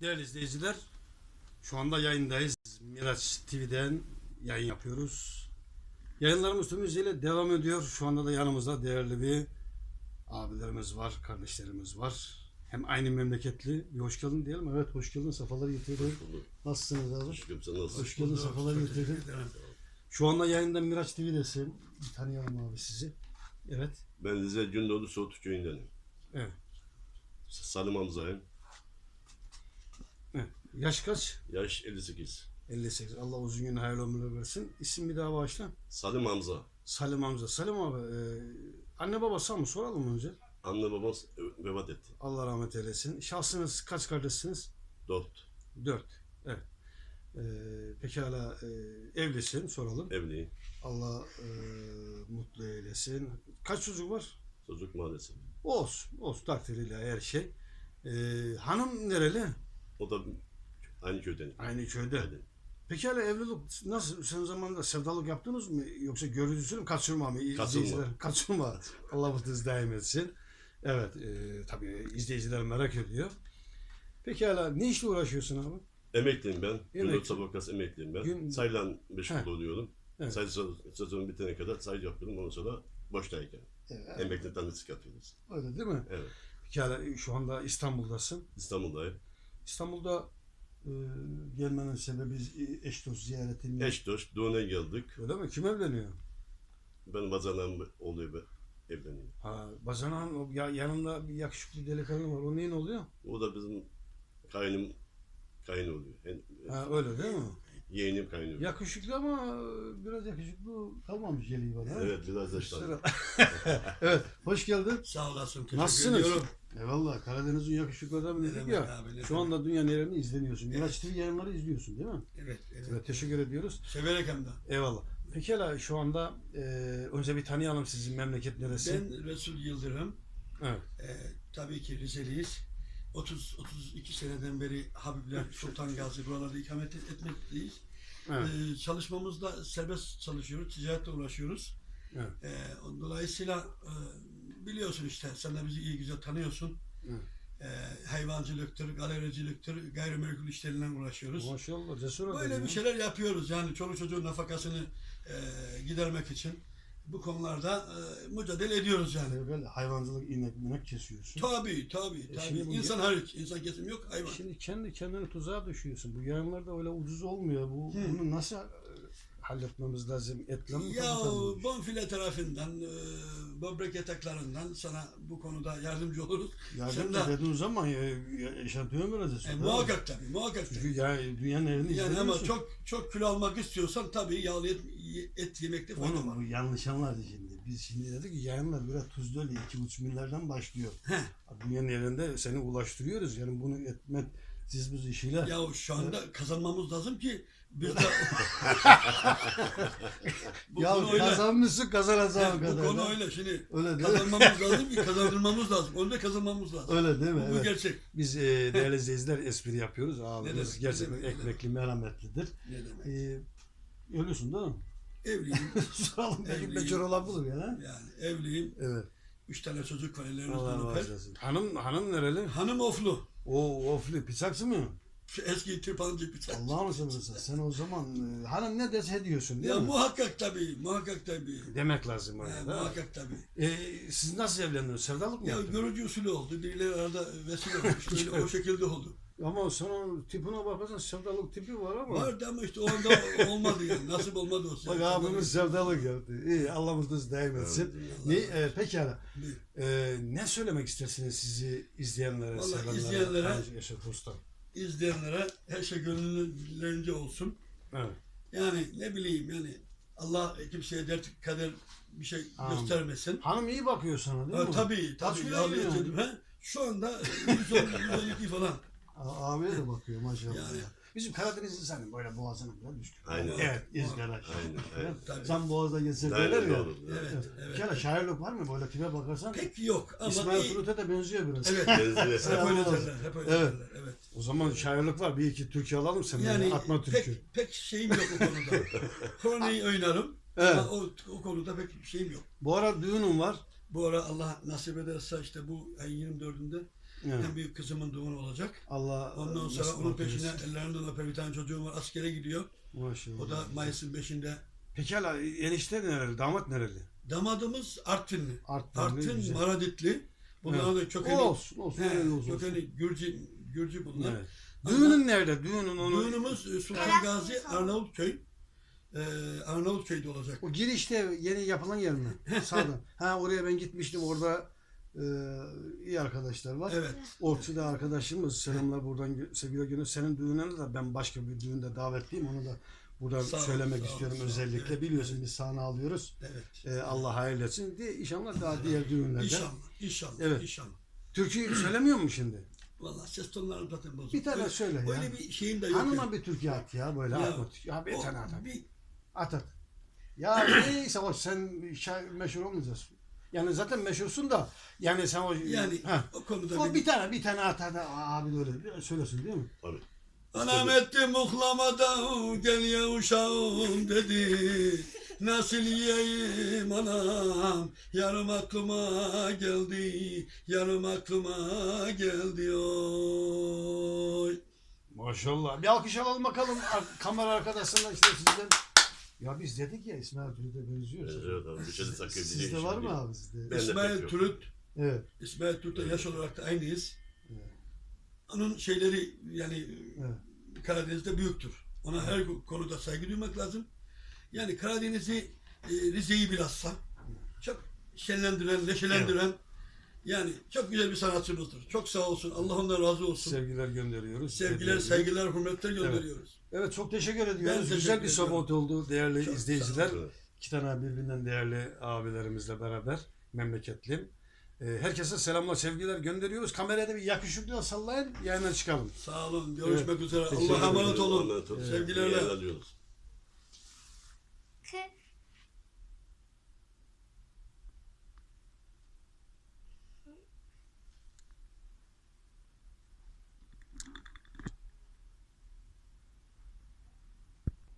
Değerli izleyiciler, şu anda yayındayız. Miraç TV'den yayın yapıyoruz. Yayınlarımız tüm hızıyla devam ediyor. Şu anda da yanımızda değerli bir abilerimiz var, kardeşlerimiz var. Hem aynı memleketli. Bir hoş geldin diyelim. Evet, hoş geldin. Sefalar getirdin. Nasılsınız abi? Hoş geldin. Sen nasılsın? Hoş geldin. Sefalar getirdin. Şu anda yayında Miraç TV'desin. Bir tanıyalım abi sizi. Evet. Ben Rize Gündoğdu Soğutu köyündenim. Evet. Salim Hamza'yım. Evet. Yaş kaç? Yaş 58. 58. Allah uzun gün hayırlı ömürler versin. İsim bir daha bağışla. Salim Hamza. Salim Hamza. Salim abi, anne babası mı soralım önce? Anne babam vefat etti. Allah rahmet eylesin. Şahsınız kaç kardeşsiniz? 4. 4. Evet. Pekala, evlisin soralım. Evliyim. Allah mutlu eylesin. Kaç çocuk var? Çocuk maalesef. Olsun. Olsun. Takdiriyle her şey. Hanım nereli? O da aynı köyden. Aynı köyde. Aynen. Pekala, evlilik nasıl? Sen zamanında sevdalık yaptınız mı? Yoksa görücüsü mü? Kaçırma mı? İzleyiciler, kaçırma. Allah mutluluğunuzu daim etsin. Evet. Tabii izleyiciler merak ediyor. Pekala, ne işle uğraşıyorsun abi? Emekliyim ben. Emekli. Gündoğdu Sabahkası emekliyim ben. Sayılan meşgul oluyorum. Evet. Sayı sezonu bitene kadar sayı yapıyorum. Ondan sonra boştayken. Evet. Emekli tanesi yapıyoruz. Öyle değil mi? Evet. Pekala, şu anda İstanbul'dasın. İstanbul'dayım. İstanbul'da gelmenin sebebi eş dost ziyareti mi? Eş dost, düğüne geldik. Öyle mi? Kim evleniyor? Ben bacanağım oluyor ve evleniyorum. Ha, bacanağın yanında bir yakışıklı delikanlı var. O neyin oluyor? O da bizim kayın oluyor. Ha, öyle değil mi? Yeğenim kaynıyor. Yakışıklı ama biraz yakışıklı kalmamış geliyor bana. Evet, biraz yaşlandı. Evet, hoş geldin. Sağ olasın. Teşekkür Nasılsınız? ediyorum. Eyvallah, Karadeniz'in yakışıklı adamı dedik Evet ya. abi, evet. Şu anda dünya nererini izleniyorsun. Miraç TV yayınları izliyorsun değil mi? Evet, evet. Evet, teşekkür ediyoruz. Severek hem de. Eyvallah. Pekala, şu anda önce bir tanıyalım, sizin memleket neresi? Ben Resul Yıldırım. Evet. Tabii ki Rizeliyiz. 32 seneden beri Habibler, Sultan Gazi buralarda ikamet etmekteyiz. Evet. Çalışmamızda serbest çalışıyoruz, ticaretle uğraşıyoruz. Evet. Dolayısıyla biliyorsun işte, sen de bizi iyi güzel tanıyorsun. Evet. Hayvancılıktır, galericiliktir, gayrimenkul işleriyle uğraşıyoruz. Maşallah, cesur adam Böyle ya. bir şeyler yapıyoruz yani çoluk çocuğun nafakasını gidermek için bu konularda mücadele ediyoruz yani. Böyle hayvancılık, inek kesiyorsun. Tabii. şimdi bu- İnsan hariç, insan kesim yok, hayvan. Şimdi kendi kendine tuzağa düşüyorsun. Bu yayınlarda öyle ucuz olmuyor. Bunu nasıl halletmemiz lazım? Etle mi? Ya tavukla mı? bonfile tarafından, böbrek yataklarından sana bu konuda yardımcı oluruz. Yardım Sen de- dediğin zaman yaşantıyor vereceğiz. muhakkak tabii. Çünkü ya, dünyanın elini Yani ama izlemiyorsun. çok kilo almak istiyorsan tabii yağlı et yemekte fayda Oğlum var. bu yanlış anladı şimdi. Biz şimdi dedik ki yayınlar biraz tuzlu öyle 2,5 milyardan başlıyor. Dünyanın elinde seni ulaştırıyoruz. Yani bunu etmek siz işiyle. Ya şu anda kazanmamız lazım ki biz de bu Ya konu öyle. kazanmışsın kazanacağın Bu kadar. konu da. öyle. Şimdi Öyle değil mi? kazanmamız lazım ki kazandırmamız lazım. Onu da kazanmamız lazım. Öyle değil mi? Bu Evet. gerçek. Biz değerli izleyiciler espri yapıyoruz. Abimiz demek, gerçekten ne demek, ekmekli, merhametlidir. Ne demek? Ölüyorsun değil mi? Evliyim. Soralım belki Evliyim. becer olabilir ya. Yani evliyim. Evet. 3 tane çocuk var Allah ellerinizden öper. razı olsun. Hanım nereli? Hanım oflu. O ofli pisaksı mı? Şu eski tırpancı bir tane. Allah'ını seversen sen o zaman hanım ne dese diyorsun değil Ya mi? muhakkak tabii. Muhakkak tabii. Demek lazım orada da. Muhakkak tabii. Siz nasıl evlendiniz? Sevdalık mı Ya yaptınız? görücü usulü oldu. Birileri arada vesile olmuş. Böyle o şekilde oldu. Ama sana tipine bakarsan sevdalık tipi var ama. Vardı ama işte o anda olmadı yani. Nasip olmadı o. Bak abimiz sevdalık yaptı. İyi, Allah mutluluğu daim etsin. Pekala. Ne söylemek istersiniz sizi izleyenlere, Vallahi sevenlere, izleyenlere- Yaşar Usta? İzleyenlere her şey gönüllerince olsun. Evet. Yani ne bileyim yani Allah kimseye dert kader bir şey Amin. göstermesin. Hanım iyi bakıyor sana değil mi? Tabii Kaç kilo yağlı yiyor? yedim. Şu anda 112 falan. Abiye de bakıyor maşallah. Yani- Bizim Karadeniz insanı böyle boğazına bile düşkün. Aynen. Evet, izgara. Aynen, evet. Tabii. Sen boğazda geçsen Aynen, derler ya. doğru. Evet, Bir evet. kere şairlik var mı? Böyle tipe bakarsan Pek yok ama İsmail iyi. Turut'a da benziyor biraz. Evet. Benziyor. Hep öyle Allah derler. Hep öyle Evet. derler. Evet. O zaman şairlik var. Bir iki türkü alalım sen. Yani Atma türkü. pek şeyim yok o konuda. Korneyi oynarım. Evet. Ama o konuda pek bir şeyim yok. Bu ara düğünüm var. Bu ara Allah nasip ederse işte bu ayın 24'ünde Evet. En büyük kızımın doğumu olacak. Allah Ondan sonra nasip onun peşine eylesin. ellerinden öper bir tane çocuğum var. Askere gidiyor. Maşallah. O da Mayıs'ın 5'inde. Peki hala enişte nereli? Damat nereli? Damadımız Artvinli. Artvinli, Artvin, güzel. Maraditli. Bunların da kökeni, Olsun olsun. he, öyle olsun. kökeni Gürcü bunlar. Evet. Ama Düğünün nerede? Düğünün onu. Düğünümüz Sultan Gazi Arnavutköy. Arnavutköy'de olacak. O girişte yeni yapılan yer mi? Sağdan. Ha oraya ben gitmiştim. Orada iyi arkadaşlar var. Evet. Orçu'da arkadaşımız. Selamlar buradan sevgiler gönderiyor. Senin düğününe de ben başka bir düğünde davetliyim. Onu da buradan Sağ ol, söylemek sağ ol, istiyorum sağ ol. özellikle. Evet, Biliyorsun evet. biz sahne alıyoruz. Evet. Allah hayırlı etsin. İnşallah daha diğer düğünlerde. İnşallah. Evet. İnşallah. Türkü söylemiyor mu şimdi? Vallahi ses tonlarım zaten bozuk. Bir tane söyle ya. Öyle bir şeyim de yok. Hanıma yani. bir türkü at ya böyle Ya, at. Ya bir o tane at. bir- At at. Ya neyse o sen meşhur olmayacaksın. Yani zaten meşhursun da yani sen o Yani ha. o konuda O bir tane at hadi abi böyle söylesin değil mi? Tabii. Anam etti muhlamada gel ya uşağım dedi. Nasıl yiyeyim anam, yarım aklıma geldi, yarım aklıma geldi oy. Maşallah. Bir alkış alalım bakalım kamera arkadaşlarına işte sizden. Ya biz dedik ya İsmail Türüt'e benziyoruz. Evet abi. Bir şey de sakın Sizde var mı abi sizde? Ben de İsmail pek yok. Türüt, Evet. İsmail Türüt'le yaş olarak da aynıyız. Evet. Onun şeyleri yani Evet. Karadeniz'de büyüktür. Ona her konuda saygı duymak lazım. Yani Karadeniz'i, Rize'yi bilhassa çok şenlendiren, neşelendiren yani çok güzel bir sanatçımızdır. Çok sağ olsun. Allah ondan razı olsun. Sevgiler gönderiyoruz. Sevgiler, saygılar, hürmetler gönderiyoruz. Evet çok teşekkür Ben ediyoruz. teşekkür Güzel bir ediyorum. sohbet oldu değerli Çok izleyiciler. sağ olun. İki tane birbirinden değerli abilerimizle beraber memleketli. Herkese selamlar, sevgiler gönderiyoruz. Kameraya da bir yakışıklı sallayın, yayına çıkalım. Sağ olun. Görüşmek üzere. Teşekkür Allah'a emanet ederim. olun. Allah'a emanet olun. Sevgilerle. İyi eğleniyoruz.